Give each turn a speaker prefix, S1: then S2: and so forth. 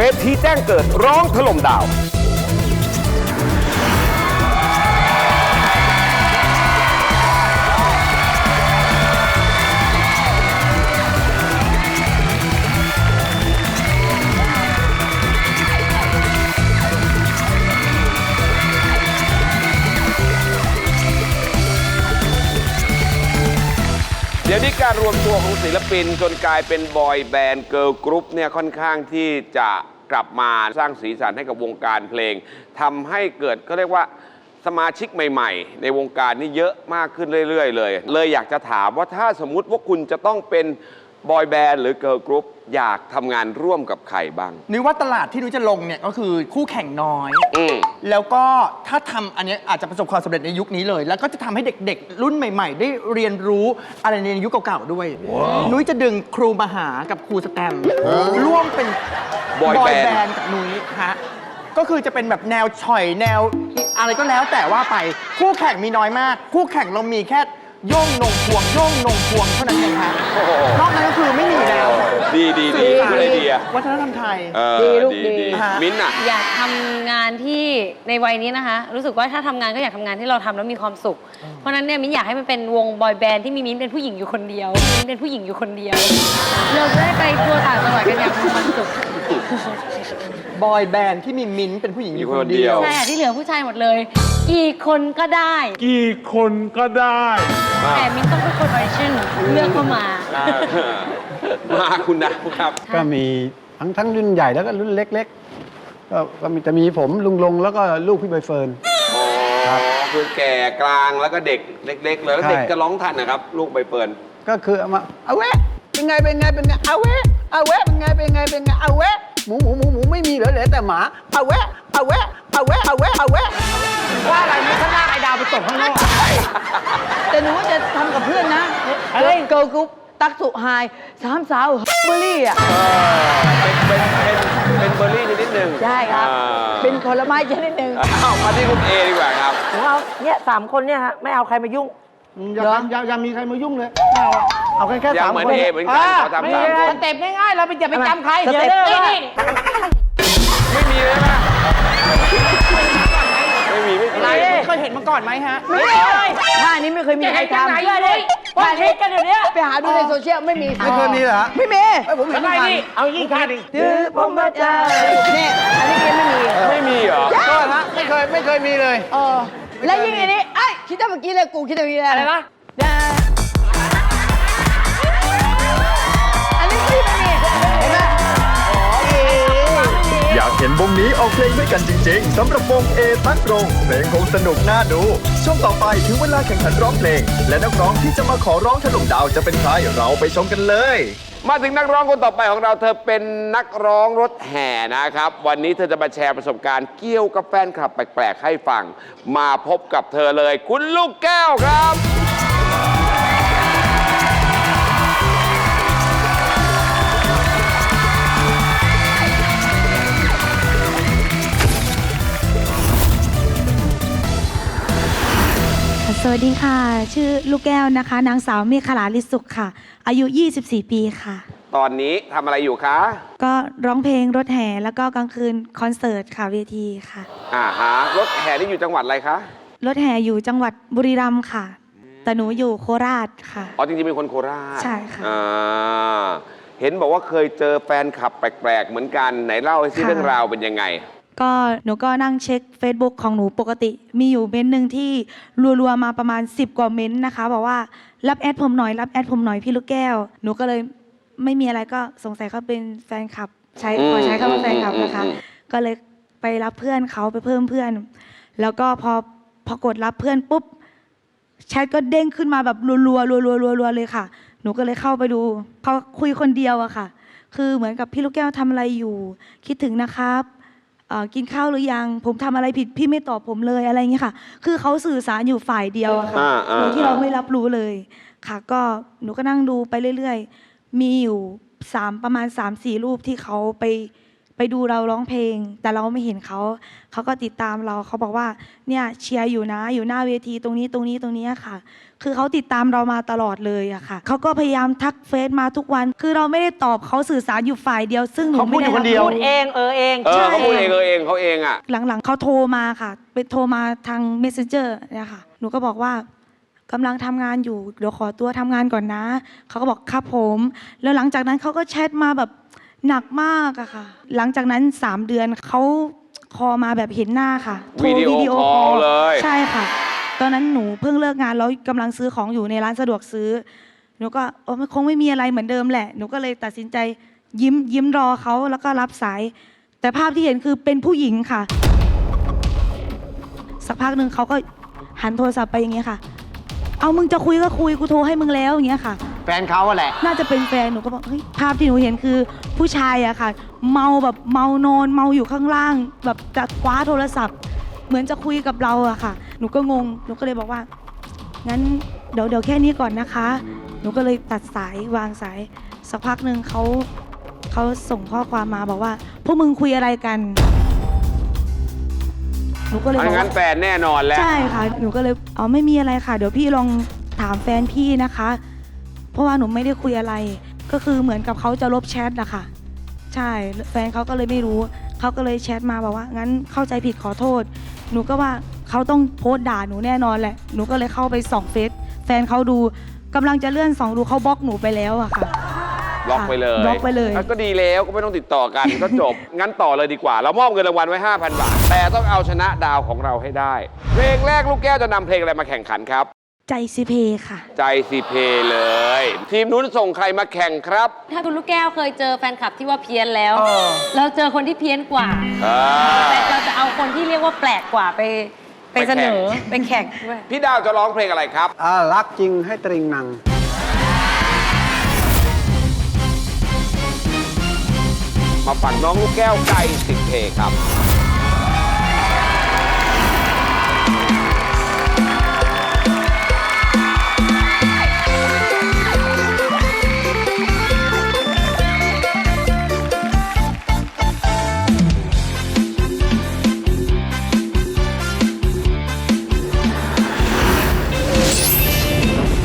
S1: ทีแจ้งเกิดร้องถล่มดาวเดี๋ยวนี้การรวมตัวของศิลปินจนกลายเป็นบอยแบนด์เกิร์ลกรุ๊ปเนี่ยค่อนข้างที่จะกลับมาสร้างสีสันให้กับวงการเพลงทำให้เกิดก็เรียกว่าสมาชิกใหม่ๆในวงการนี่เยอะมากขึ้นเรื่อยๆเลยอยากจะถามว่าถ้าสมมุติว่าคุณจะต้องเป็นบอยแบนด์หรือเกิร์ลกรุ๊ปอยากทำงานร่วมกับใครบ้าง
S2: นุ้ยว่าตลาดที่นุ้ยจะลงเนี่ยก็คือคู่แข่งน้อยแล้วก็ถ้าทำอันนี้อาจจะประสบความสำเร็จในยุคนี้เลยแล้วก็จะทำให้เด็กๆรุ่นใหม่ๆได้เรียนรู้อะไรในยุคเก่าๆด้วยนุ้ยจะดึงครูมหากับครูสแตมร่วมเป็นบอยแบนด์กับนุ้ยฮะก็คือจะเป็นแบบแนวฉ่อยแนวอะไรก็แล้วแต่ว่าไปคู่แข่งมีน้อยมากคู่แข่งเรามีแค่โย่งนงพวงโย่งนงพวงเท่านั้นเองฮะนอกนั้นก็คือไม่มีแล้ว
S1: ดีคุณไอเดีย
S2: วัฒนธรรมไทย
S3: ดีลูกดี
S1: มิ้นท์อะ
S3: อยากทำงานที่ในวัยนี้นะคะรู้สึกว่าถ้าทำงานก็อยากทำงานที่เราทำแล้วมีความสุขเพราะฉะนั้นเนี่ยมิ้นอยากให้มันเป็นวงบอยแบนด์ที่มีมิ้นเป็นผู้หญิงอยู่คนเดียวมิ้นเป็นผู้หญิงอยู่คนเดียวเราจะได้ไปทัวร์ต่างจังหวัดกันอย่างมีความสุข
S2: บอยแบนด์ที่มีมิ้นท์เป็นผู้หญิงอยู่คนเดียว
S3: ใช่ที่เหลือผู้ชายหมดเลยกี่คนก็ได้
S4: กี่คนก็ได้
S3: แต่มิ้นต้องเป็นคนออดิชั่นเลือกเข้ามา
S1: คุณนะครับ
S4: ก็มีทั้งรุ่นใหญ่แล้วก็รุ่นเล็กๆก็จะมีผมลุงลงแล้วก็ลูกพี่ใบเฟิร์น
S1: คือแก่กลางแล้วก็เด็กเล็กๆเลยแล้วเด็กจะร้องทันนะครับลูกใบเฟิร์น
S4: ก็คือเอามาเอาแวะเป็นไงเอาแวะเป็นไงเอาแวะหมูไม่มีเหลือแต่หมาเอาแวะ
S2: ว่าอะไรไม่ข้างล่างไอ้ดาวไปตกข้างนอก
S5: แต่หนูว่าจะทำกับเพื่อนนะเกิร์ลกรุ๊ปตักสุไฮสามสาวเบอร์รี่อ่ะ
S1: เป็นเบอร์รี่นิดนึง
S5: ใช่ครับเป็นผลไม้ชนิดนึง
S1: มาที่คุณเอดีกว่าครับ
S5: เอาเนี่ย3 คนเนี่ยฮะไม่เอาใครมายุ่ง
S4: อย่ามีใครมายุ่งเลยเอาแค่3 คน
S1: เหมือนเอเหมือนกันเขาทำ3 คน
S5: สเต็ปง่ายๆเราอย่าไปจำใครเดี๋ยวนี่
S1: ไม่มีเลยนะไม่มี
S2: เคยเห็นมาก่อนไหมฮะ
S5: ไม่เคยท่านี้ไม่เคยมีใครทำท่านี้กันเดี๋ยวนี้ไปหาดูในโซเชียลไม่
S4: เคยมีเหรอ
S5: ไม่มี
S4: ผมเห็นไม่มี
S5: เอายิ่งท่าดิผมมาเจอเนี่ยอันนี้
S1: ไม่มีเหรอ
S4: ก็ฮะไม่เคยมีเลย
S5: แล้วยิ่งอันนี้ไอ้คิดแต่เมื่อกี้เลยกูคิดแต่เมื่อกี้อะไรนะอันนี้ไม่มีเห็นไหม
S6: อยากเห็นวงนี้ออกเพลงด้วยกันจริงๆสำหรับวงเอตักรงเพลงคงสนุกน่าดูช่วงต่อไปถึงเวลาแข่งขันร้องเพลงและนักร้องที่จะมาขอร้องถล่มดาวจะเป็นใครเราไปชมกันเลย
S1: มาถึงนักร้องคนต่อไปของเราเธอเป็นนักร้องรถแห่นะครับวันนี้เธอจะมาแชร์ประสบการณ์เกี่ยวกับแฟนคลับแปลกๆให้ฟังมาพบกับเธอเลยคุณลูกแก้วครับ
S7: สวัสดีค่ะชื่อลูกแก้วนะคะนางสาวเมฆลาลิสุขค่ะอายุ24 ปีค่ะ
S1: ตอนนี้ทำอะไรอยู่คะ
S7: ก็ร้องเพลงรถแห่แล้วก็กลางคืนคอนเสิร์ตค่ะเวทีค่ะ
S1: รถแห่นี่อยู่จังหวัดอะไรคะ
S7: รถแห่อยู่จังหวัดบุรีรัมย์ค่ะแต่หนูอยู่โคราชค่ะ
S1: จริงๆเป็นคนโคราช
S7: ใช่ค่ะ
S1: เห็นบอกว่าเคยเจอแฟนคลับแปลกๆเหมือนกันไหนเล่าให้ซิเรื่องราวเป็นยังไง
S7: ก็หนูก็นั่งเช็ค Facebook ของหนูปกติมีอยู่เม้นหนึ่งที่รัวๆมาประมาณ10 กว่าเม้นนะคะบอกว่ารับแอดผมหน่อยพี่ลูกแก้วหนูก็เลยไม่มีอะไรก็สงสัยเขาเป็นแฟนคลับขอใช้คำว่าแฟนคลับนะคะก็เลยไปรับเพื่อนเขาไปเพิ่มเพื่อนแล้วก็พอกดรับเพื่อนปุ๊บแชทก็เด้งขึ้นมาแบบรัวๆเลยค่ะหนูก็เลยเข้าไปดูเขาคุยคนเดียวอะค่ะคือเหมือนกับพี่ลูกแก้วทำอะไรอยู่คิดถึงนะครับกินข้าวหรือยังผมทำอะไรผิดพี่ไม่ตอบผมเลยอะไรอย่างเงี้ยค่ะคือเขาสื่อสารอยู่ฝ่ายเดียวอะค่ะโดยที่เราไม่รับรู้เลยค่ะก็หนูก็นั่งดูไปเรื่อยๆมีอยู่ประมาณ 3-4 รูปที่เขาไปไปดูเราร้องเพลง แต่เราไม่เห็นเขาก็ติดตามเราเขาบอกว่าเนี่ยเชียร์อยู่นะอยู่หน้าเวทีตรงนี้ค่ะ คือเขาติดตามเรามาตลอดเลยอะค่ะเขาก็พยายามทักเฟซมาทุกวัน คือเราไม่ได้ตอบเขาสื่อสารอยู่ฝ่ายเดียว ซึ่งหนูไม่ได้
S2: เขาพูดอยู่คนเดียว
S5: พูดเองเอง
S1: เขาพูดเองเขาเองอ่ะ
S7: หลังๆเขาโทรมาค่ะเป็นโทรมาทาง Messenger เนี่ยค่ะหนูก็บอกว่ากำลังทำงานอยู่เดี๋ยวขอตัวทำงานก่อนนะเขาก็บอกครับผมแล้วหลังจากนั้นเขาก็แชทมาแบบหนักมากอะค่ะหลังจากนั้น3 เดือนเขาคอลมาแบบเห็นหน้าค่ะโทร
S1: วิดีโอคอลเลย
S7: ใช่ค่ะ ตอนนั้นหนูเพิ่งเลิกงานแล้วกำลังซื้อของอยู่ในร้านสะดวกซื้อหนูก็มันคงไม่มีอะไรเหมือนเดิมแหละหนูก็เลยตัดสินใจยิ้มรอเขาแล้วก็รับสาย แต่ภาพที่เห็นคือเป็นผู้หญิงค่ะ สักพักหนึ่งเขาก็หันโทรศัพท์ไปอย่างเงี้ยค่ะเอามึงจะคุยก็คุยกูโทรให้มึงแล้วอย่างเงี้ยค่ะ
S2: แฟนเขาอะแหละ
S7: น่าจะเป็นแฟนหนูก็บอกเฮ้ยภาพที่หนูเห็นคือผู้ชายอะค่ะ เมาแบบเมานอนเมาอยู่ข้างล่าง แบบจะคว้าโทรศัพท์ เหมือนจะคุยกับเราอะค่ะ หนูก็งงหนูก็เลยบอกว่างั้นเดี๋ยวแค่นี้ก่อนนะคะ หนูก็เลยตัดสายวางสายสักพักหนึ่งเขาส่งข้อความมาบอกว่าพวกมึงคุยอะไรกันหนูก็เลยบอก
S1: งั้น
S7: ว่า
S1: แฟนแน่นอนแล้ว
S7: ใช่ค่ะ หนูก็เลยไม่มีอะไรค่ะ เดี๋ยวพี่ลองถามแฟนพี่นะคะ เพราะว่าหนูไม่ได้คุยอะไร ก็คือเหมือนกับเขาจะลบแชทอะค่ะ ใช่ แฟนเขาก็เลยไม่รู้ เขาก็เลยแชทมาบอกว่างั้นเข้าใจผิดขอโทษ หนูก็ว่าเขาต้องโพสต์ด่าหนูแน่นอนแหละ หนูก็เลยเข้าไปส่องเฟซแฟนเขาดูกำลังจะเลื่อนส่องดูเขาบล็อกหนูไปแล้วอะค่ะ
S1: บล็อกไปเลย
S7: บล็อกไปเลย
S1: ก็ดีแล้วก็ไม่ต้องติดต่อกัน ก็จบ งั้นต่อเลยดีกว่า เรามอบเงินรางวัลไว้ 5,000 บาท แต่ต้องเอาชนะดาวของเราให้ได้ เพลงแรกลูกแก้วจะนำเพลงอะไรมาแข่งขันครับ
S7: ใจสิเพค่ะ
S1: ใจสิเพเลย ทีมนู้นส่งใครมาแข่งครับ
S3: ถ้าคุณลูกแก้วเคยเจอแฟนคลับที่ว่าเพี้ยนแล้ว เราเจอคนที่เพี้ยนกว่า แต่เราจะเอาคนที่เรียกว่าแปลกกว่าไปเสนอไปแข่งด้วย
S1: พี่ดาวจะร้องเพลงอะไรครับ
S4: รักจริงให้ตริงนัง
S1: มาฝั่งน้องลูกแก้วใจสิเพครับ